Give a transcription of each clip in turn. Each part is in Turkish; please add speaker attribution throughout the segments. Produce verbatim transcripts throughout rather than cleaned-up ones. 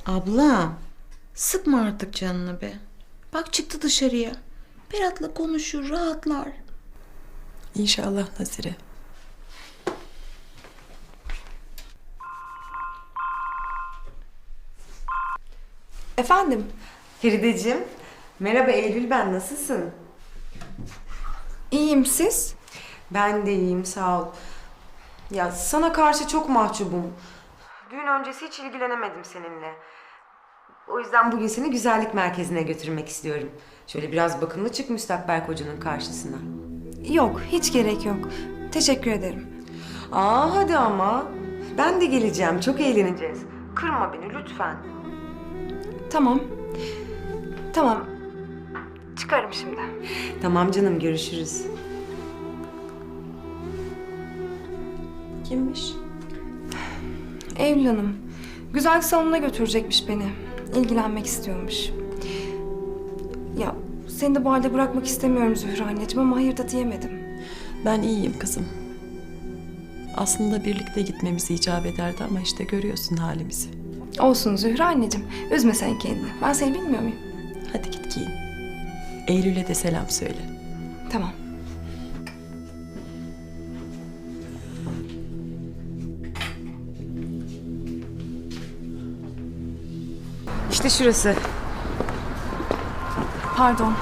Speaker 1: Abla, sıkma artık canını be. Bak çıktı dışarıya. Berat'la konuşur, rahatlar.
Speaker 2: İnşallah Nazire.
Speaker 3: Efendim?
Speaker 4: Ferideciğim, merhaba Eylül ben, nasılsın?
Speaker 3: İyiyim, siz?
Speaker 4: Ben de iyiyim, sağ ol. Ya sana karşı çok mahcubum. Düğün öncesi hiç ilgilenemedim seninle. O yüzden bugün seni güzellik merkezine götürmek istiyorum. Şöyle biraz bakımlı çık müstakbel kocanın karşısına.
Speaker 3: Yok, hiç gerek yok. Teşekkür ederim.
Speaker 4: Aa hadi ama. Ben de geleceğim, çok eğleneceğiz. Kırma beni lütfen.
Speaker 3: Tamam. Tamam. Çıkarım şimdi.
Speaker 4: Tamam canım, görüşürüz.
Speaker 2: Kimmiş?
Speaker 3: Eylül Hanım. Güzel salonuna götürecekmiş beni. İlgilenmek istiyormuş. Ya seni de bu halde bırakmak istemiyorum Zühre anneciğim ama hayır da diyemedim.
Speaker 2: Ben iyiyim kızım. Aslında birlikte gitmemizi icap ederdi ama işte görüyorsun halimizi.
Speaker 3: Olsun Zühre anneciğim. Üzme sen kendini. Ben seni bilmiyor muyum?
Speaker 2: Hadi git giyin. Eylül'e de selam söyle.
Speaker 3: Tamam.
Speaker 4: İşte şurası.
Speaker 3: Pardon.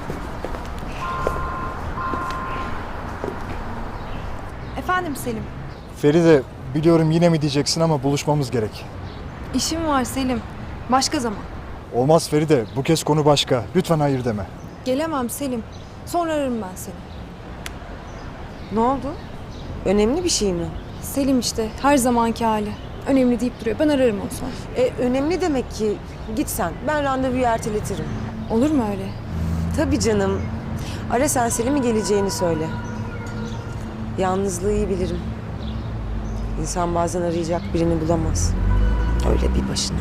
Speaker 3: Efendim Selim.
Speaker 5: Feride, biliyorum yine mi diyeceksin ama buluşmamız gerek.
Speaker 3: İşim var Selim. Başka zaman.
Speaker 5: Olmaz Feride, bu kez konu başka. Lütfen hayır deme.
Speaker 3: Gelemem Selim. Sonra ararım ben seni.
Speaker 4: Ne oldu? Önemli bir şey mi?
Speaker 3: Selim işte her zamanki hali. Önemli deyip duruyor. Ben ararım onu sonra.
Speaker 4: E, önemli demek ki. Git sen. Ben randevuyu erteletirim.
Speaker 3: Olur mu öyle?
Speaker 4: Tabii canım. Ara sen Selim'i geleceğini söyle. Yalnızlığı iyi bilirim. İnsan bazen arayacak birini bulamaz. Öyle bir başına.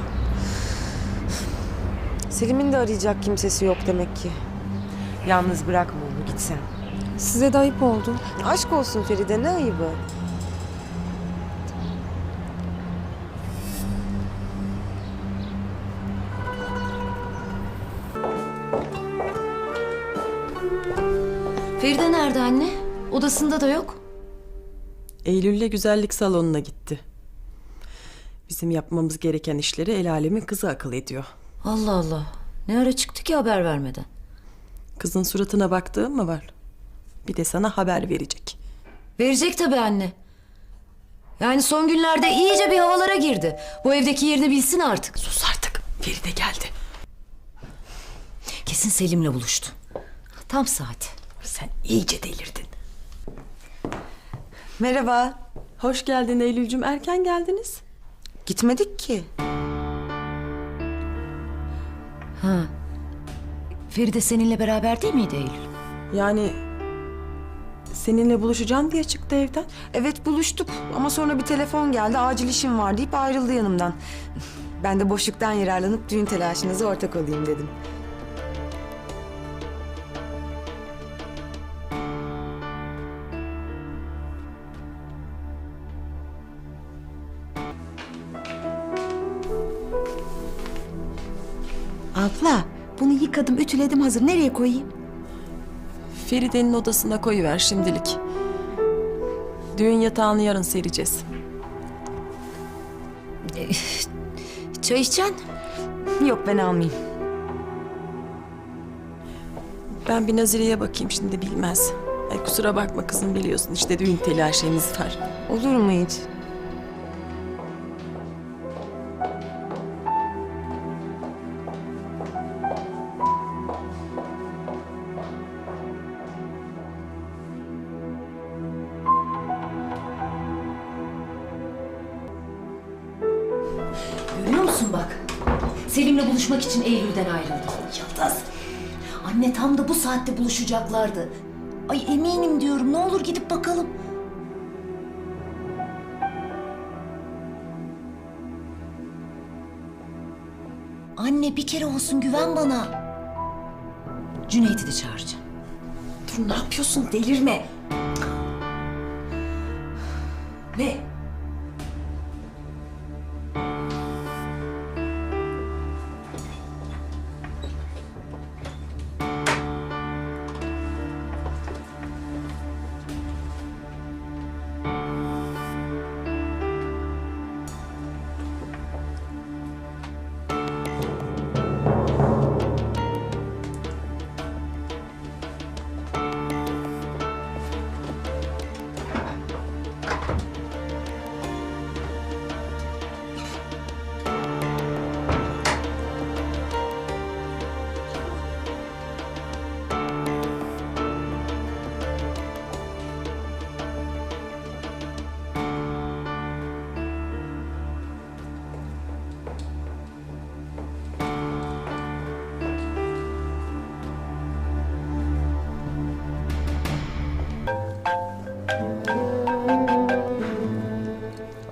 Speaker 4: Selim'in de arayacak kimsesi yok demek ki. Yalnız bırakma onu, git sen.
Speaker 3: Size de ayıp oldu.
Speaker 4: Aşk olsun Feride, ne ayıbı?
Speaker 6: Feride nerede anne? Odasında da yok.
Speaker 2: Eylül'le güzellik salonuna gitti. Bizim yapmamız gereken işleri el alemin kızı akıl ediyor.
Speaker 6: Allah Allah. Ne ara çıktı ki haber vermeden?
Speaker 2: Kızın suratına baktığın mı var? Bir de sana haber verecek.
Speaker 6: Verecek tabii anne. Yani son günlerde iyice bir havalara girdi. Bu evdeki yerini bilsin artık.
Speaker 2: Sus artık. Feride geldi.
Speaker 6: Kesin Selim'le buluştu. Tam saati.
Speaker 2: Sen iyice delirdin.
Speaker 4: Merhaba.
Speaker 2: Hoş geldin Eylül'cüm. Erken geldiniz.
Speaker 4: Gitmedik ki.
Speaker 6: Ha. Feride seninle beraber değil miydi Eylül?
Speaker 2: Yani seninle buluşacağım diye çıktı evden.
Speaker 4: Evet buluştuk ama sonra bir telefon geldi, acil işim var deyip ayrıldı yanımdan. Ben de boşluktan yararlanıp düğün telaşınıza ortak olayım dedim.
Speaker 1: Abla, bunu yıkadım, ütüledim hazır. Nereye koyayım?
Speaker 2: Feride'nin odasına koyuver şimdilik. Düğün yatağını yarın sereceğiz.
Speaker 6: Çay içeceksin?
Speaker 4: Yok ben almayayım.
Speaker 2: Ben bir Nazire'ye bakayım şimdi, bilmez. Ay kusura bakma kızım, biliyorsun işte düğün telaşemiz var.
Speaker 4: Olur mu hiç?
Speaker 6: Görüyor musun bak? Selim'le buluşmak için Eylül'den ayrıldı. Yıldız. Anne tam da bu saatte buluşacaklardı. Ay eminim diyorum. Ne olur gidip bakalım. Anne bir kere olsun güven bana. Cüneyt'i de çağıracağım.
Speaker 2: Dur, ne yapıyorsun, delirme.
Speaker 6: Ne?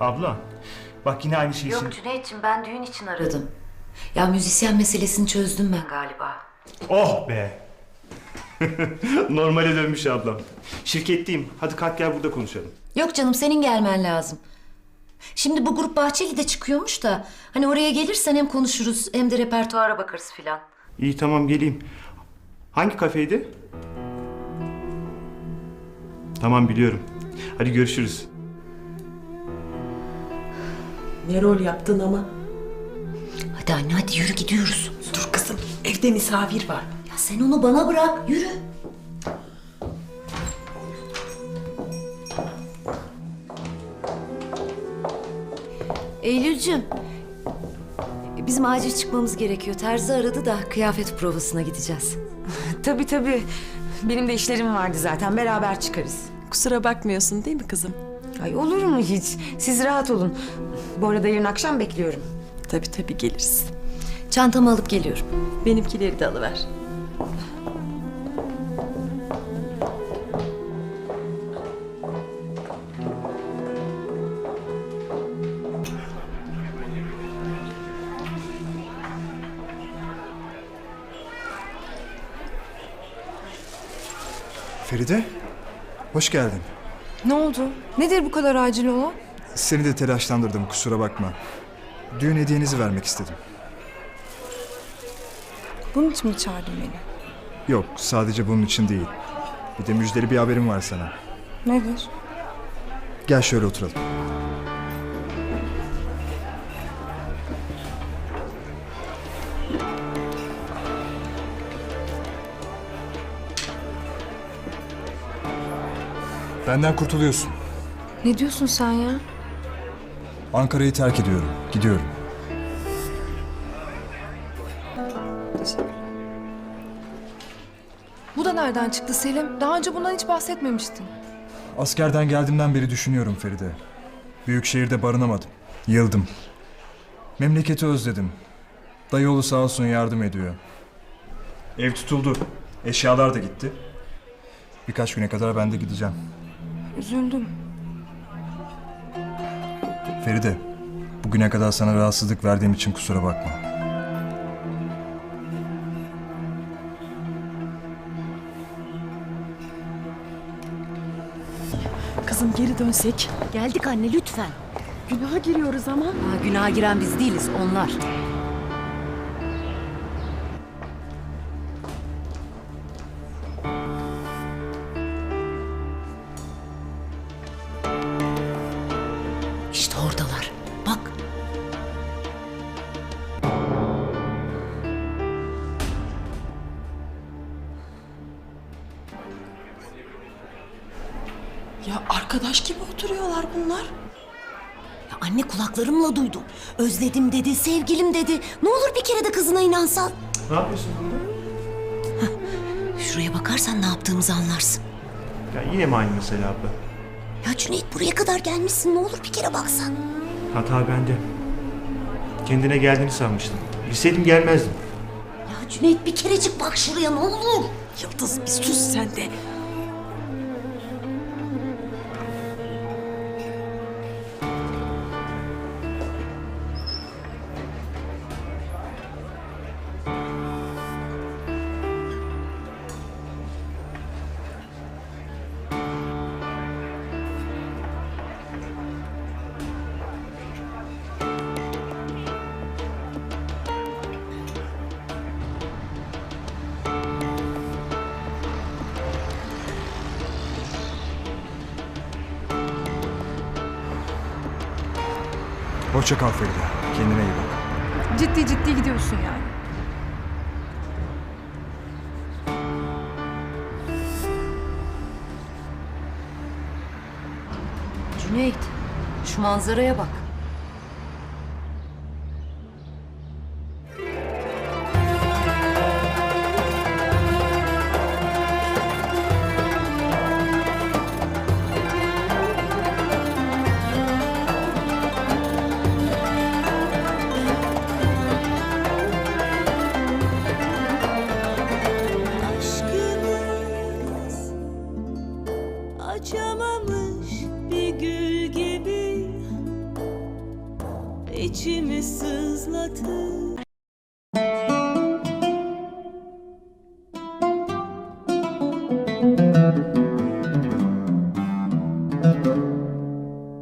Speaker 7: Abla, bak yine aynı şeyi...
Speaker 6: Yok Cüneyt'ciğim, ben düğün için aradım. Ya müzisyen meselesini çözdüm ben galiba.
Speaker 7: Oh be! Normale dönmüş ablam. Şirketteyim. Hadi kalk gel burada konuşalım.
Speaker 6: Yok canım, senin gelmen lazım. Şimdi bu grup Bahçeli'de çıkıyormuş da... Hani oraya gelirsen hem konuşuruz hem de repertuara bakarız filan.
Speaker 7: İyi tamam geleyim. Hangi kafeydi? Tamam biliyorum. Hadi görüşürüz.
Speaker 2: Ne rol yaptın ama?
Speaker 6: Hadi anne, hadi yürü, gidiyoruz.
Speaker 2: Dur kızım, evde misafir var.
Speaker 6: Ya sen onu bana bırak, yürü. Eylülcüm, bizim acil çıkmamız gerekiyor. Terzi aradı da kıyafet provasına gideceğiz.
Speaker 4: Tabii tabii. Benim de işlerim vardı zaten. Beraber çıkarız.
Speaker 2: Kusura bakmıyorsun değil mi kızım?
Speaker 4: Ay olur mu hiç? Siz rahat olun. Bu arada yarın akşam bekliyorum.
Speaker 2: Tabii tabii geliriz.
Speaker 6: Çantamı alıp geliyorum.
Speaker 2: Benimkileri de alıver.
Speaker 5: Feride, hoş geldin.
Speaker 3: Ne oldu? Nedir bu kadar acil olan?
Speaker 5: Seni de telaşlandırdım, kusura bakma. Düğün hediyenizi vermek istedim.
Speaker 3: Bunun için mi çağırdın beni?
Speaker 5: Yok, sadece bunun için değil. Bir de müjdeli bir haberim var sana.
Speaker 3: Nedir?
Speaker 5: Gel şöyle oturalım. Benden kurtuluyorsun.
Speaker 3: Ne diyorsun sen ya?
Speaker 5: Ankara'yı terk ediyorum, gidiyorum.
Speaker 3: Bu da nereden çıktı Selim? Daha önce bundan hiç bahsetmemiştin.
Speaker 5: Askerden geldiğimden beri düşünüyorum Feride. Büyük şehirde barınamadım. Yıldım. Memleketi özledim. Dayıoğlu sağ olsun yardım ediyor. Ev tutuldu. Eşyalar da gitti. Birkaç güne kadar ben de gideceğim.
Speaker 3: Üzüldüm.
Speaker 5: Feride, bugüne kadar sana rahatsızlık verdiğim için kusura bakma.
Speaker 2: Kızım geri dönsek.
Speaker 6: Geldik anne, lütfen.
Speaker 2: Günaha giriyoruz ama.
Speaker 6: Ha, günaha giren biz değiliz, onlar. İşte oradalar. Bak.
Speaker 2: Ya arkadaş gibi oturuyorlar bunlar.
Speaker 6: Ya anne, kulaklarımla duydum. Özledim dedi, sevgilim dedi. Ne olur bir kere de kızına inansan.
Speaker 7: Ne yapıyorsun burada?
Speaker 6: Şuraya bakarsan ne yaptığımızı anlarsın.
Speaker 7: Ya yine mi aynı mesele abla?
Speaker 6: Ya Cüneyt, buraya kadar gelmişsin. Ne olur bir kere baksan.
Speaker 7: Hata bende. Kendine geldiğini sanmıştım. Bilseydim gelmezdim.
Speaker 6: Ya Cüneyt, bir kerecik bak şuraya, ne olur.
Speaker 2: Yıldız bir sus sen de.
Speaker 5: Hoşça kal Feride, kendine iyi bak.
Speaker 3: Ciddi ciddi gidiyorsun yani.
Speaker 6: Cüneyt, şu manzaraya bak.
Speaker 8: Açamamış bir gül gibi içimi sızlatır.